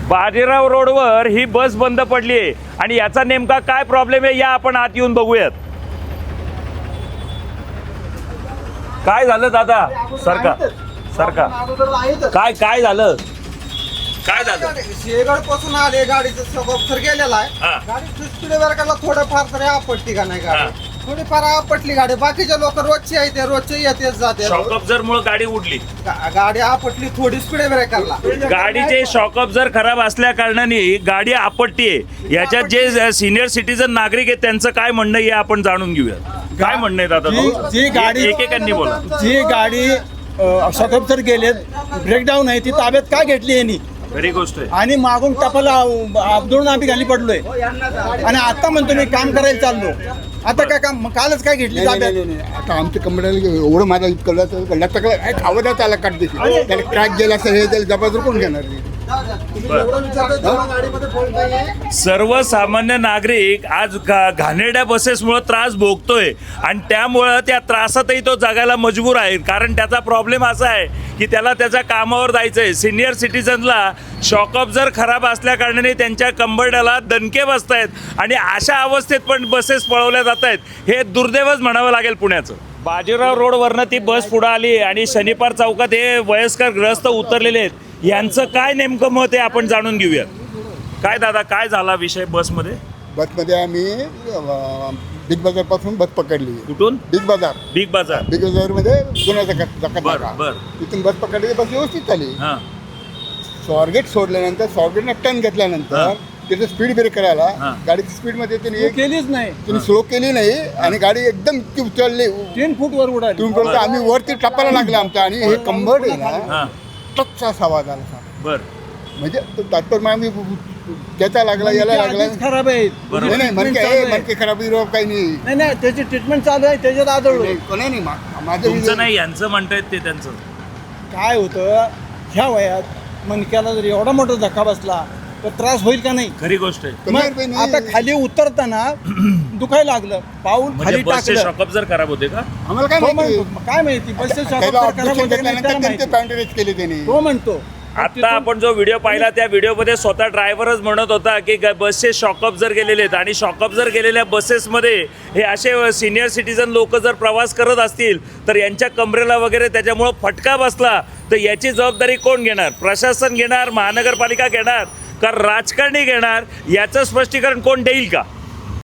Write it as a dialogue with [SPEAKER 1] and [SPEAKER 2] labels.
[SPEAKER 1] बाजीराव रोडवर ही बस बंद पडली आहे आणि याचा नेमका काय प्रॉब्लेम आहे या आपण आत येऊन बघूयात. काय झालं दादा? सरका काय झालं? काय झालं?
[SPEAKER 2] शेगड पासून आले गाडीचं सबअप्सर गेलेला आहे. गाडी स्पीड ब्रेकरला थोडंफार तरी आपटली का नाही गाडी? थोडीफार आपटली गाडी. बाकीचे लोक रोजचे येते रोजचे येतेच जाते.
[SPEAKER 1] शॉक ऑब्झर मुळे गाडी उडली.
[SPEAKER 2] गाडी आपटली थोडी स्पीड ब्रेकरला.
[SPEAKER 1] गाडीचे शॉक ऑब्झर खराब असल्या कारणाने गाडी आपटतीये. याच्यात जे सिनियर सिटीजन नागरिक आहेत त्यांचं काय म्हणणं आहे आपण जाणून घेऊया. काय म्हणणं आहे दादा?
[SPEAKER 3] जी गाडी
[SPEAKER 1] एकेकांनी बोला.
[SPEAKER 3] जी गाडी शॉक ऑब्झर गेले ब्रेकडाऊन आहे ती ताब्यात का घेतली यांनी?
[SPEAKER 1] खरी गोष्ट आहे.
[SPEAKER 3] आणि मागून टपाला अब्दुल आम्ही खाली पडलोय आणि आता म्हणतो मी काम करायला चाललो. आता काय काम कालच काय घेतली ताब्यात?
[SPEAKER 4] आता आमच्या कंपनीला एवढं माझा खावं त्याला काढते त्याला क्रॅक गेला असेल हे त्याला जबाबदार कोण घेणार?
[SPEAKER 1] सर्वसामान्य नागरिक आज घाणेरड्या बसेसमुळे त्रास भोगतोय आणि त्यामुळं त्या त्रासातही तो जगायला मजबूर आहे. कारण त्याचा प्रॉब्लेम असा आहे की त्याला त्याच्या कामावर जायचं आहे. सिनियर सिटीजनला शॉक ऑब्झर खराब असल्या कारणाने त्यांच्या कंबरड्याला दणके बसत आहेत आणि अशा अवस्थेत पण बसेस पळवल्या जात आहेत. हे दुर्दैवच म्हणावं लागेल पुण्याचं. बाजीराव रोडवरनं ती बस पुढे आली आणि शनिवार चौकात हे वयस्कर ग्रस्त उतरलेले आहेत. यांचं काय नेमकं मत आहे आपण जाणून घेऊया. काय दादा काय झाला विषय बसमध्ये?
[SPEAKER 4] बसमध्ये आम्ही बिग बाजार पासून बस पकडली.
[SPEAKER 1] कुठून?
[SPEAKER 4] बिग बाजार
[SPEAKER 1] बिग बाजार.
[SPEAKER 4] बिग बाजार मध्ये गुन्हा
[SPEAKER 1] बर.
[SPEAKER 4] तिथून बस पकडली. बस व्यवस्थित आली.
[SPEAKER 1] हां
[SPEAKER 4] स्वारगेट सोडल्यानंतर स्वारगेटनं टर्न घेतल्यानंतर त्याचं स्पीड ब्रेक करायला गाडीची स्पीड मध्ये त्यांनी
[SPEAKER 3] केलीच नाही.
[SPEAKER 4] त्यांनी स्लो केली नाही आणि गाडी एकदम उचलली
[SPEAKER 3] 3 फूट वर उडाली.
[SPEAKER 4] आम्ही वरती टपायला लागला आमचा आणि हे कंबरड आहे ना टचचा आवाज आला.
[SPEAKER 1] बर.
[SPEAKER 4] म्हणजे तात्पर्य आम्ही त्याचा लागला याला लागला.
[SPEAKER 3] खराब आहे.
[SPEAKER 4] नाही मनके खराब काही नाही.
[SPEAKER 3] नाही त्याची ट्रीटमेंट चालू आहे त्याच्यात आदळ.
[SPEAKER 4] नाही माझं
[SPEAKER 1] तुमचं नाही यांचं म्हणतायत ते त्यांचं.
[SPEAKER 3] काय होतं ह्या वयात मणक्याला जर एवढा मोठा धक्का बसला तर त्रास होईल का नाही?
[SPEAKER 1] खरी गोष्ट आहे.
[SPEAKER 3] मग आता खाली उतरताना दुखायला लागलं पाऊल खाली टाकलं.
[SPEAKER 1] शॉक ऑब्झर खराब होते का?
[SPEAKER 4] आम्हाला
[SPEAKER 3] काय माहिती बसचे
[SPEAKER 4] केले त्यांनी
[SPEAKER 3] तो म्हणतो.
[SPEAKER 1] आता आपण जो व्हिडिओ पाहिला त्या व्हिडिओमध्ये स्वतः ड्रायव्हरच म्हणत होता की बसचे शॉक ऑब्झर गेलेले आहेत आणि शॉक ऑब्झर गेलेल्या बसेसमध्ये हे असे सिनियर सिटीजन लोक जर प्रवास करत असतील तर यांच्या कमरेला वगैरे त्याच्यामुळं फटका बसला तर याची जबाबदारी कोण घेणार? प्रशासन घेणार? महानगरपालिका घेणार का राजकारणी घेणार? याचं स्पष्टीकरण कोण देईल का?